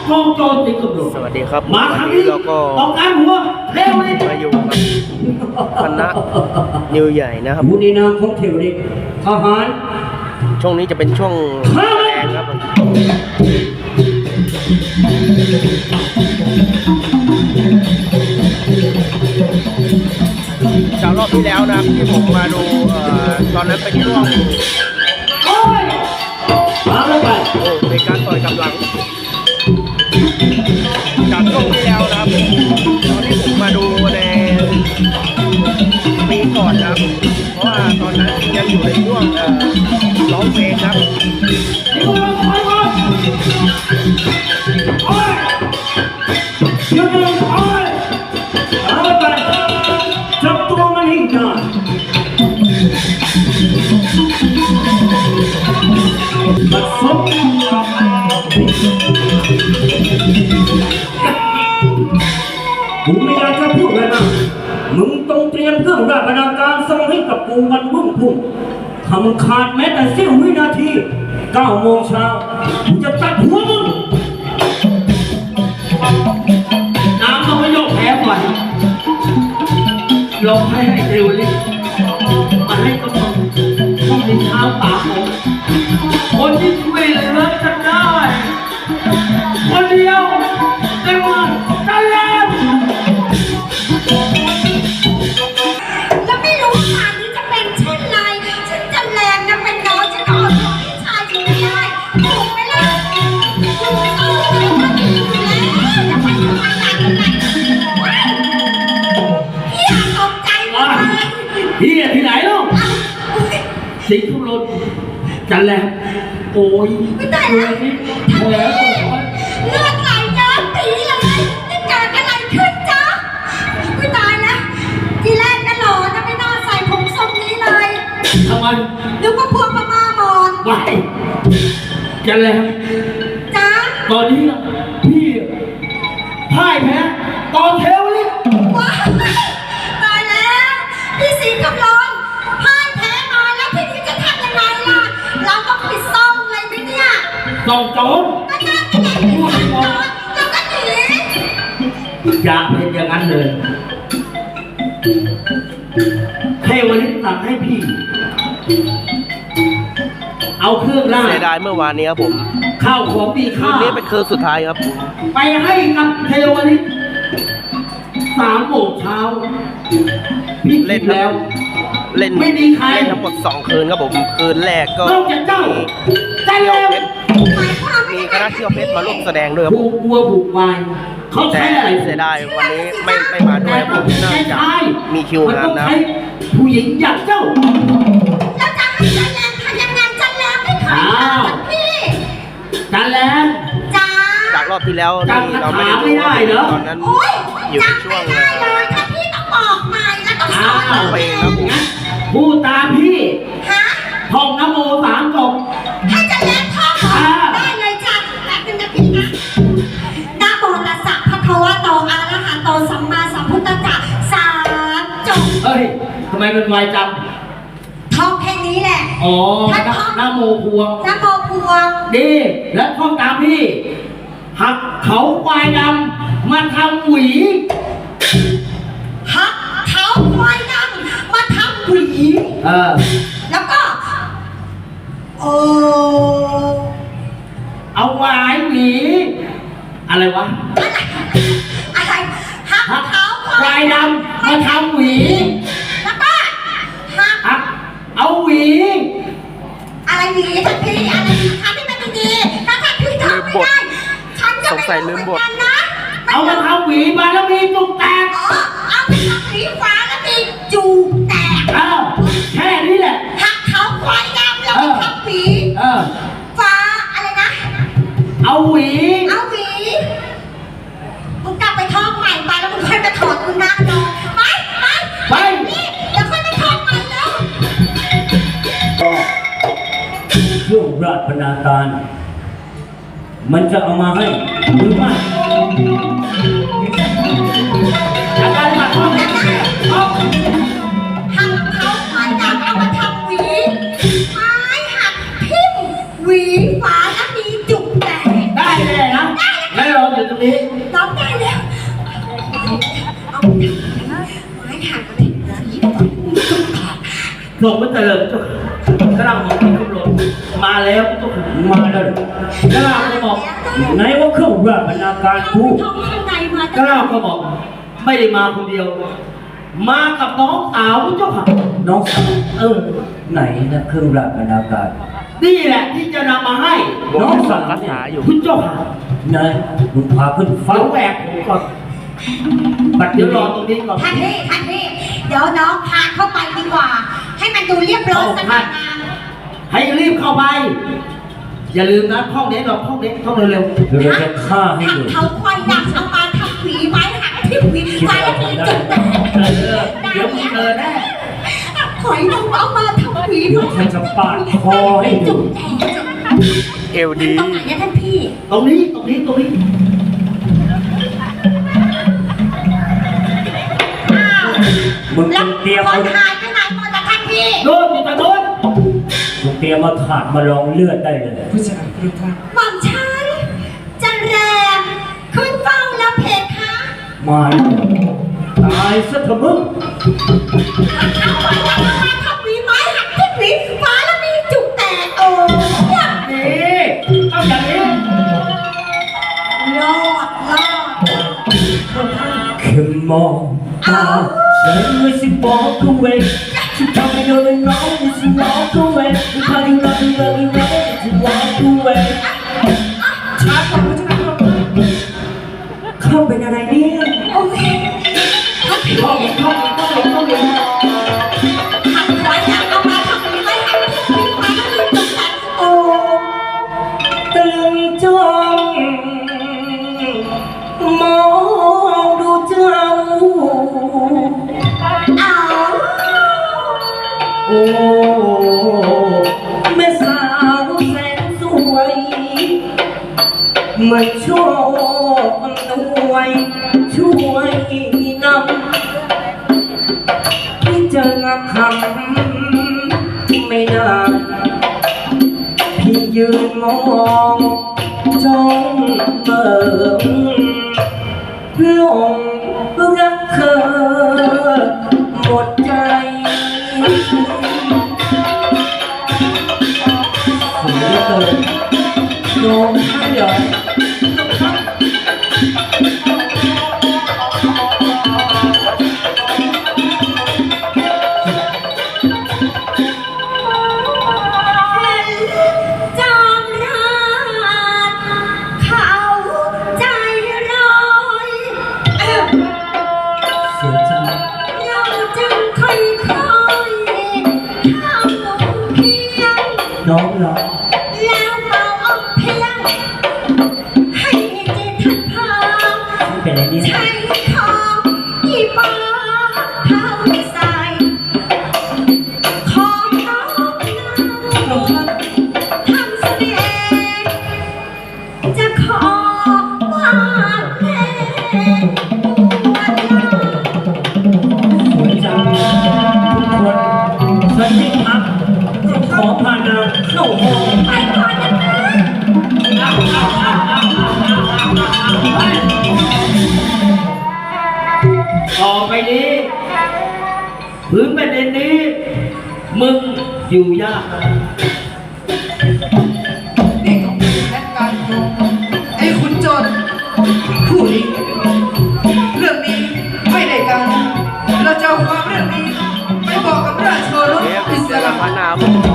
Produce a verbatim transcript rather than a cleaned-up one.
กองโจรติดกำลังสวัสดีครับมาครั้งนี้เราก็ต้องการหัวเร็วเลยมาอยู่กับคณะนิวใหญ่นะครับผู้ในนามของเทวดิทหารช่วงนี้จะเป็นช่วงแรงครับจากรอบที่แล้วนะครับที่ผมมาดูตอนนั้นเป็นช่วงโอ้ยมาแล้วไปโอ้เป็นการต่อยกำลังจากช่วงที่แล้วนะครับตอนที่ผมมาดูในปีก่อนนะครับเพราะว่าตอนนั้นยังอยู่ในช่วงร้องเพลงครับจับตัวมันให้ได้บัดซบกูไม่อยากจะพูดเลยนะมึงต้องเตรียมเครื่องราชบรรณาการส่งให้กับกูวันรุ่งพุ่งทำขาดแม้แต่เสี้ยววินาทีเก้าโมงเช้ากูจะตัดหัวมึงน้ำต้องไม่ยกแพ้ไปลงให้ให้เร็วเลยมาให้กำลังต้องมีเท้าตาผมคนที่ช่วยเหลือจะได้คนเดียวได้ว่าจะแล้วแล้วไม่รู้ว่าป่านนี้จะเป็นเช่นไรฉันจะแรงจะเป็นน้องฉันก็อดทนพี่ชายฉันไม่ได้ถูกไหมล่ะถูกต้องเลยว่าดีอยู่แล้วจะไปทำไมหนักขนาดนั้นพี่อยากตกใจหมดเลยพี่ที่ไหนลูกสิงห์ทุรนจันแหลมโอ้ยไม่ได้แล้วพี่เลือดไหลย้อนปีเลยนี่เกิดอะไรขึ้นจ๊ะไม่ตายแล้วทีแรกก็หล่อนะไม่น่าใส่ผมทรงนี้เลยทำไมนึกว่าพวกพม่ามอนไม่จันแหลมจ๊ะตอนนี้พี่พ่ายแพ้ตอนเทวลิศว้าวตายแล้วพี่สิงห์กำลองพ่ายแพ้มาแล้วพี่นี่จะทำยังไงล่ะเราต้องไปซ่อมเลยไหมเนี่ยซ่อมโจรก็น่าจะได้ไปซ่อมโจรแล้วก็หนีอย่าเป็นอย่างนั้นเลยเทวลิศสั่งให้พี่เอาเครื่องล่าเสียดายเมื่อวานนี้ครับผมข้าวของมีค่าคืนนี้เป็นคืนสุดท้ายครับไปให้กับเทวลิศสามโมงเช้าพี่เล่นแล้วเล่นไม่มีใครเล่นทั้งหมดสองคืนครับผมคืนแรกก็มีเจ้าเที่ยวเพชรมีคณะเที่ยวเพชรมาร่วมแสดงด้วยครับผูกวัวผูกวายเขาใช้อะไรเสียดายวันนี้ไม่ไม่มาด้วยผมน่าจะมีคิวงานนะผู้หญิงอย่างเจ้าแล้วจะให้จันแรงทำยังไงจันแรงไม่เคยทำพี่จันแรงจ้าจากรอบที่แล้วนี่เราไม่ได้ดูตอนนั้นอยู่ในช่วงเลยถ้าพี่ต้องบอกใหม่แล้วต้องสอนไปครับพูดตามพี่ฮะท่องนโมสามจบให้จันแรงท่องได้เลยจ้ะแป๊บนึงนะพี่นะนะโมตัสสะภะคะวะโตอะระหะโตสัมมาสัมพุทธัสสะสามจบเฮ้ยทำไมมันไวจังท่องแค่นี้แหละอ๋อนะโมพวงนะโมพวงดีแล้วท่องตามพี่หักเขาควายดำมาทำหวีหักเขาควายดำมาทำหวีเออแล้วก็โอ้เอาไว้หวีอะไรวะอะไรหักเขาควายดำมาทำหวีแล้วก็หักเอาหวีอะไรหวีทันทีอะไรทำให้มันดีถ้าทันทีทำไม่ได้ฉันจะไม่รู้เหมือนกันนะเอามาทำหวีมาแล้วมีจุกแตกอ๋อเอาไปทำหวีฟ้าแล้วมีจูแตกเออแค่นี้แหละหักเขาควายดำแล้วไปทำหวีเออฟ้าอะไรนะเอาหวีเอาหวีมึงกลับไปท่องใหม่ไปแล้วมึงค่อยไปถอดคุณนั่งดูไปไปไปนี่เดี๋ยวค่อยไปท่องใหม่แล้วเครื่องราชบรรณาการมันจะเอามาให้หรือไม่อาการหนักมากหักเขาควายดำเอามาทำหวีไม้หักทิ่มหวีฟ้าแล้วมีจุกแตกได้เลยนะได้เหรอรงนี้ร้องได้แล้วเอาไม้หักเลยสีก่อนทรงไม่เจริญเจ้าค่ะกระลังของคุณรถมาแล้วเจ้าค่ะมาแล้วกระลังก็บอกไหนว่าเครื่องราชบรรณาการเอากูท้องข้างในมากระลังก็บอก ไม่ได้มาคนเดียว มากับน้องสาวเจ้าค่ะน้องสาวเออไหนนะเครื่องราชบรรณาการนี่แหละที่จะนำมาให้น้องสาวคาถาอยู่คุณเจ้าค่ะไหนมึงพาขึ้นฟ้าเดี๋ยวแหวกผมก่อนบัดเดี๋เดี๋ยยว วรรออตรงนี้ก่อนท่านพี่ท่านพี่เดี๋ยวน้องพาเข้าไปดีกว่า ให้มันดูเรียบร้อยสง่างามให้รีบเข้าไป อย่าลืมนะห้องนี้เราห้องนี้ห้องเร็วเดี๋ยวเราจะฆ่าให้หักดูเขาควายดักเอามาทำหวีไม้หักที่หวีไม้มีจุดแตกๆเออเดี๋ยวมึงเจอแน่หอยนางรมเอามาทำหวีเดี๋ยวฉันจะปาดคอให้ดูจุดแตกเอวดีตรงไหนเนี่ยท่านพี่ตรงนี้ตรงนี้ตรงนี้อ้าวมึงแล้วเตรียมคเอานหายไปไหนหมดล่ะท่านพี่โน่นอยู่ตรงโน้นมึงเตรียมมาถาดมาลองเลือดได้เลยหม่อมฉันจะแรงขึ้นเฝ้าแล้วเพคะมาเลยตายซะเถอะมึงเอาไว้แล้วเอามาทำหวีไม้หักที่หวีฟ้าแล้วมีจุดแตกโอ้ยนี่เอาอย่างนี้รอดรอดแค่มองตาฉันไม่สิบอกกูเองฉันทำให้เธอเป็นน้องไม่สิบอกกูเองฉันพาดูรักดูรักดูรักจะบอกกูเองช้าก่อนจะมาเข้าเป็นอะไรเนี่ยโอ้ยทักพี่ห้องนี้ห้องนี้ห้องนี้ห้องนี้หักหัวอยากเอามาทำหวีไม้หักที่หวีฟ้าแล้วมีจุดแตกโอ้ตึงจ้องมองดูเจ้าเอาโอ้แม่สาวแสนสวยไม่ชอบด้วยช่วยนำที่เจองคำไม่นานพี่ยืนมองจ้องเบิ่งหลงรักเธอหมดใจสวยเหลือเกินโน้มให้เหรอจอมราชเขาใจร้อยเอ้าเสียใจเราจึงค่อยๆทำเพียงน้องเหรอแล้วมาอมเพียงให้เจทันพาไม่เป็นไรเนี่ยใช้ของอีปาทำใส่ของน้องเราทำเสน่ห์จะขอว่าแม่ปวดร้าวสวยจังทุกคนฉันไม่พักจะขอพานางเข้าห้องไปก่อนนะคะต่อไปนี้พื้นแผ่นดินนี้ มึงอยู่ยากนี่ก็เป็นแผนการไอ้คุณโจรผู้นี้เรื่องนี้ไม่ได้การเราจะเอาความเรื่องนี้ไปบอกกับราชโอรสเทปอิสเจอระกันพันหนาผม